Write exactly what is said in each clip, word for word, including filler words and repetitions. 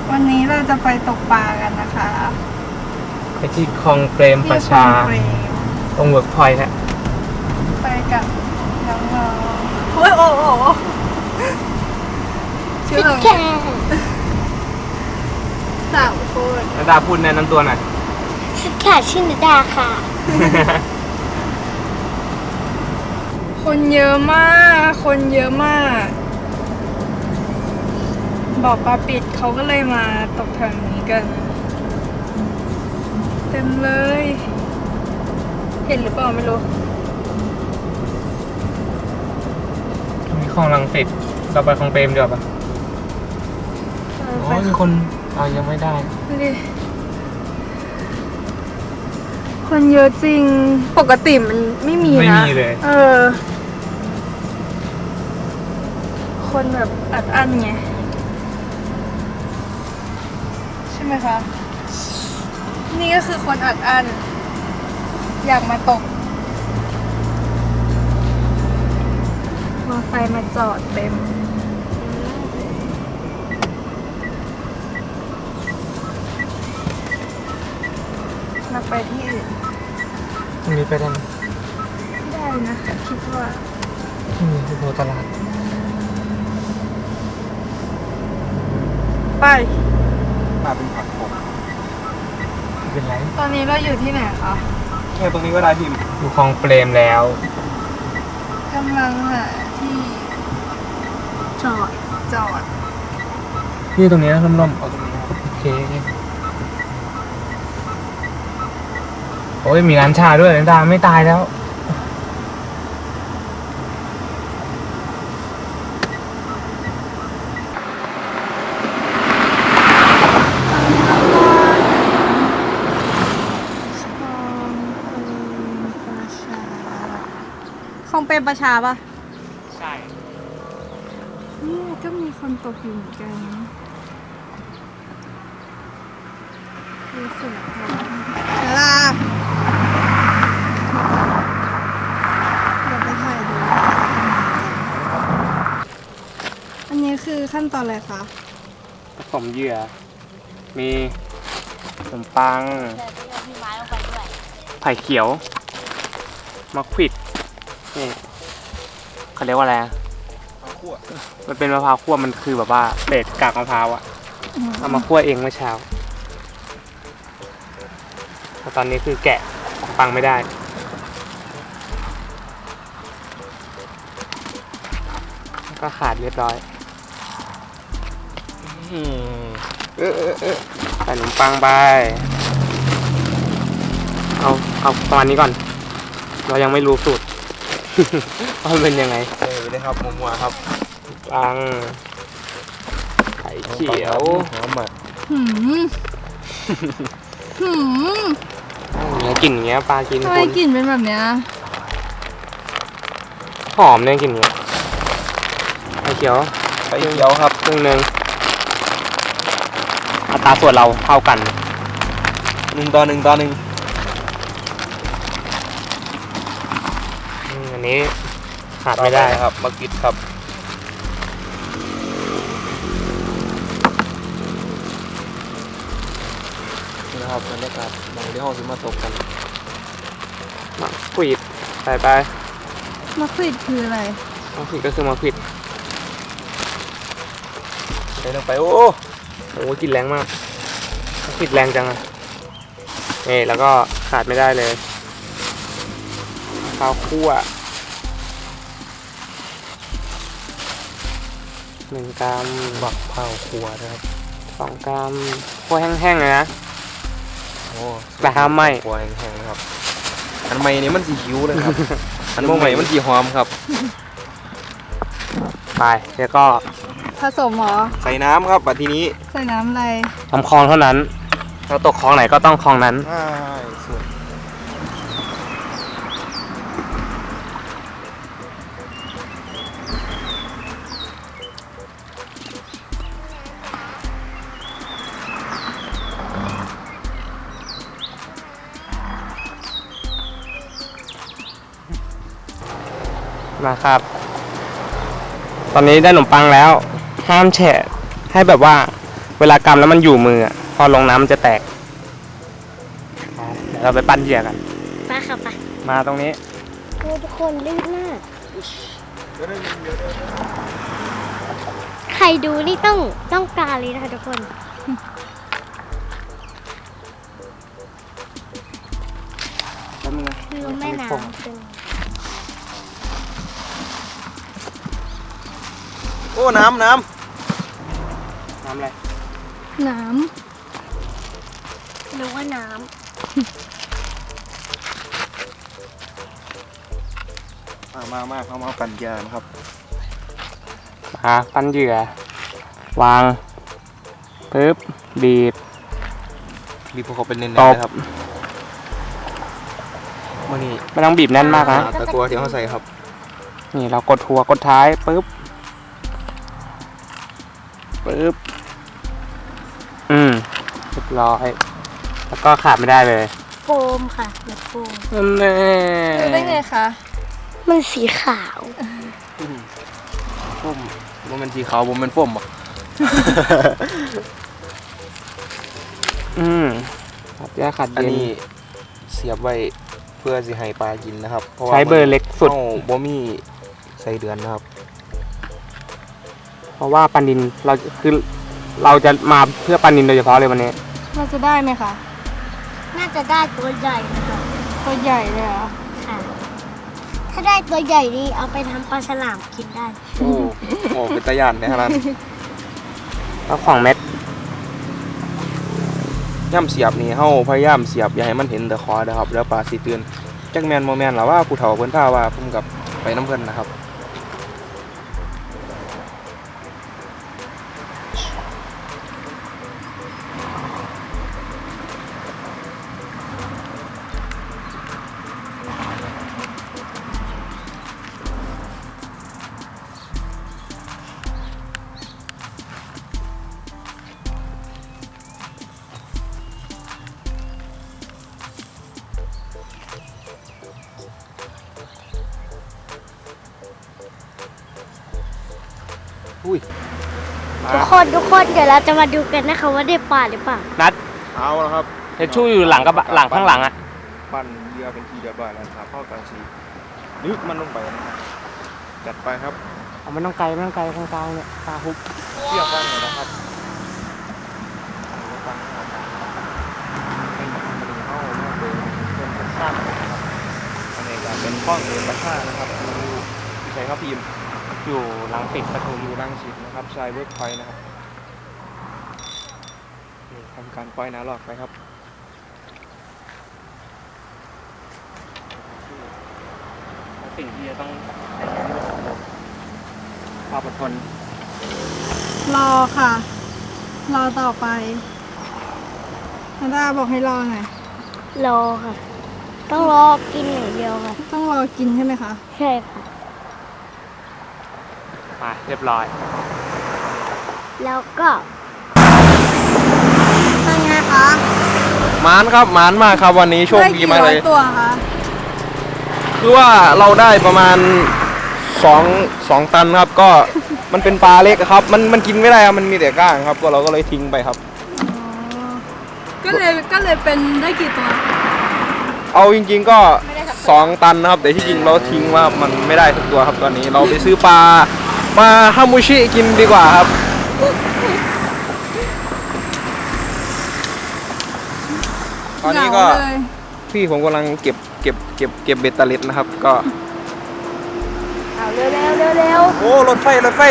วันนี้เราจะไปตกปลากันนะคะไปที่คลองเปรมประชาตรงเวิร์กพอยต์ฮะไปกับน้องๆโอ้ยโอ้โหชื่ออะไรสาวคนนาดาพูดแนะนำตัวหน่อยชื่อค่ะชื่อนาดาค่ะคนเยอะมาก คนเยอะมากบอกปลาปิดเขาก็เลยมาตกแถวนี้กัน เต็มเลย เห็นหรือเปล่าไม่รู้มีคลองลังสิตเราไปคลองเปรมเดี๋ยวปะอ๋อมีคนเอายังไม่ได้ดิคนเยอะจริงปกติมันไม่มีนะไม่มีเลยเออคนแบบอัดอั้นไงใช่ไหมคะนี่ก็คือคนอัดอั้นอยากมาตกมอไซค์มาจอดเต็มเราไปที่อื่นตรงนี้ไปได้ไหมได้นะคิดว่าที่นี่คือโพตลาดไปมาเป็นผักผมเป็นไรตอนนี้เราอยู่ที่ไหนคะแค่ตรงนี้ก็ได้พิมอยู่คลองเปรมแล้วกำลังหาที่จอดจอดนี่ตรงนี้นะล่มๆเอาตรงนี้โอเคโอ้ยมีร้านชาด้วยนาดาไม่ตายแล้วคงเป็นประชาป่ะใช่นี่ก็มีคนตกอยู่เหมือนกันรู้สึกเวลาเดี๋ยวไปถ่ายดูอันนี้คือขั้นตอนอะไรคะผสมเหยื่อมีขนมปังไผ่เขียวมะขวิดนี่เขาเรียกว่าอะไรมันเป็นมะพร้าวคั่วมันคือแบบว่าเศษกากมะพร้าวอะเอามาคั่วเองเมื่อเช้าแต่ตอนนี้คือแกะปังไม่ได้ก็ขาดเรียบร้อยเออเออเออใส่ขนมปังไปเอาเอาประมาณนี้ก่อนเรายังไม่รู้สูตรว่าเป็นยังไงเออเลยครับมัวๆครับปังไข่เขียวหอมอ่ะหืมหืมเนี่ยกลิ่นอย่างเงี้ยปลากินทำไมกลิ่นเป็นแบบเนี้ยหอมเนี่ยกลิ่นเงี้ยไข่เขียวไข่เขียวครับครึ่งนึงอัตราส่วนเราเท่ากันหนึ่งต่อหนึ่งต่อหนึ่งอันนี้ขาดไม่ได้ครับมะกิดครับนี่นะครับบรรยากาศมองที่ห้องซื้อมาตกกันมะขวิดใส่ไปมะขวิดคืออะไรมะขวิดก็คือมะขวิดใส่ลงไปโอ้โหกลิ่นแรงมากมะขวิดแรงจังอ่ะนี่แล้วก็ขาดไม่ได้เลยข้าวคั่วหนึ่งกรัมบักเผาขัวนะครับสองกรัมคั่วแห้งๆเลยนะโอ้แต่ห้ามไหมขัวแห้งๆนะครับอันใหม่นี้มันสีหิวเลยครับอันใหม่มันสีหอมครับไปแล้วก็ผสมหรอใส่น้ำครับบัดทีนี้ใส่น้ำอะไรทำคลองเท่านั้นเราตกคลองไหนก็ต้องคลองนั้นใช่สุดนะครับตอนนี้ได้ขนมปังแล้วห้ามแฉะให้แบบว่าเเวลากำแล้วมันอยู่มืออะพอลงน้ำมันจะแตกเดี๋ยวเราไปปั้นเหยื่อกันไปค่ะไปมาตรงนี้โอ้ทุกคนลื่นมากใครดูนี่ต้องต้องการเลยนะคะทุกคนแล้วมึงคือแม่น้ำเป็นโอ้น้ำน้น้ำอะไรน้หรือว่าน้ำมามามาเข้ามาปั่นยานครับมาปั้นเหยื่อวางปึ๊บบีบมีพวกเขาเป็นเน้นๆตบนะครับมื่อนี้ไม่ต้องบีบแน่นมากนะตะกัวที่เขาใส่ครับนี่เรากดหัวกดท้ายปึ๊บปึ๊บอืมเรียบร้อยแล้วก็ขาดไม่ได้เลยำโฟมค่ะแบบโฟมนั่นแน่ำรู้ได้ไงคะมันสีขาวฟุ่มมันเป็นสีขาวผมเป็นฟุ่มอ่ะอืมขัดแยกขัดอันเย็นนี้เสียบไว้เพื่อสิให้ปลากินนะครับพราะว่าใช้เบอร์เล็กสุดอาบ่มีใส่เดือนนะครับเพราะว่าปลานินเราคือเราจะมาเพื่อปลานินโดยเฉพาะเลยวันนี้เราจะได้ไหมคะน่าจะได้ตัวใหญ่นะคะตัวใหญ่เลยเหรอค่ะ ถ้าได้ตัวใหญ่นี่เอาไปทำปลาฉลามกินได้โอ้โหเป็นตะยานในขนาดแล้วสองเม็ดย่ำเสียบนี่เฮาพยายามเสียบอย่าให้มันเห็นแต่คอนะครับแล้วปลาสิตื่นจักแมนโมแมนหรอว่าผู้เฒ่าเพิ่นท่าว่าผมกับไปน้ำเพิ่นนะครับอุ้ยทุกคนทุกคนเดี๋ยวเราจะมาดูกันนะคะว่าได้ปลาหรือเปล่านัดเอาแล้วครับเฮดชู่อยู่หลังกับหลังข้างหลังอ่ะปั้นเรือเป็นทีเรียบร้อยแล้วครับเข้ากันสีนึกมันลงไปนะครับจัดไปครับเอาไม่ต้องไกลไม่ต้องไกลกลางๆเนี่ยปลาฮุบเที่ยวกันเลยนะครับฟังเป็นมันเข้ามาเป็นเป็นกระชากนะครับอันนี้ก็เป็นข้องเรือกระชากนะครับดูใช้ข้าวพิมพ์อยู่หลังสิบปทุมอยู่รังสิตนะครับชายเวิร์กพอยต์นะครับนี่ทำการปล่อยน้ำหลอกไปครับสิ่งที่จะต้องความอดทนรอค่ะ รอต่อไปนาดาบอกให้รอหน่อยรอค่ะ ต้องรอกินอย่างเดียวค่ะต้องรอกินใช่ไหมคะใช่ค่ะมาเรียบร้อยแล้วก็เป็นไงคะมานครับมานมากครับวันนี้โชคดีมากเลยได้กี่ร้อตัวคะคือว่าเราได้ประมาณสองสองตันครับก็มันเป็นปลาเล็กอะครับ มันมันกินไม่ได้ครับมันมีแต่ก้างครับก็เราก็เลยทิ้งไปครับอ๋อก็เลยก็เลยเป็นได้กี่ตัวเอาจริงๆก็สองตันนะครับแต่ที่จริงเราทิ้งว่ามันไม่ได้ทุกตัวครับตอนนี้เราไปซื้อปลามาฮามูชิกินดีกว่าครับตอนนี้ก็เหงาเลยพี่ผมกำลังเก็บเก็บเก็บเก็บเบ็ดตะเล็ดนะครับก็เอาเร็วเร็วเร็วเร็วโอ้รถไฟรถไฟ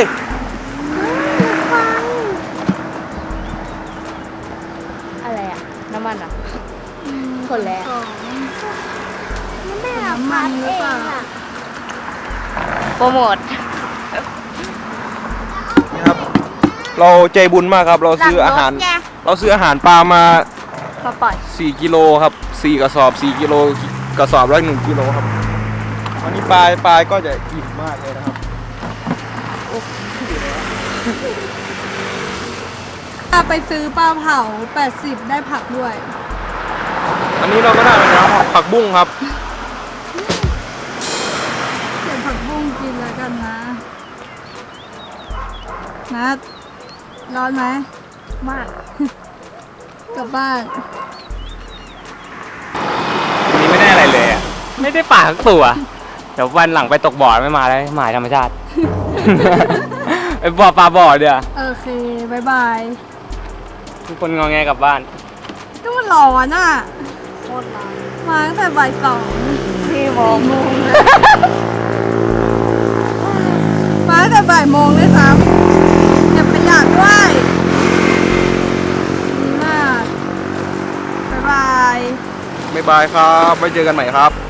อะไรอ่ะ น้ำมันอ่ะคนแล้วสองแม่น้ำมันหรือเปล่าโปรโมทนี่ครับเราใจบุญมากครับเราซื้ออาหาร เราซื้ออาหารปลามามาปล่อยสี่กิโลครับสี่กระสอบสี่กิโลกระสอบละหนึ่งกิโลครับวันนี้ปลาปลาก็จะอิ่มมากเลยนะครับถ้าไปซื้อปลาเผาแปดสิบได้ผักด้วยอันนี้เราก็ได้แล้วครับผักบุ้งครับเก็บผักบุ้งกินแล้วกันนะ นัดร้อนไหมมาก กลับบ้านวันนี้ไม่ได้อะไรเลยอ่ะ ไม่ได้ป่าสักตัว เดี๋ยววันหลังไปตกบ่อไม่มาแล้วหมายธรรมชาติ ไปบ่อปลาบ่อเดี๋ยวโอเคบายบายทุกคนงอแงกลับบ้านก็มันร้อนอ่ะโคตรร้อนมาตั้งแต่บ่ายสองสี่โมงเลยมาตั้งแต่บ่ายโมงเลยซ้ำเก็บขยะด้วยดีมากบายบายบ๊ายบายครับไว้เจอกันใหม่ครับ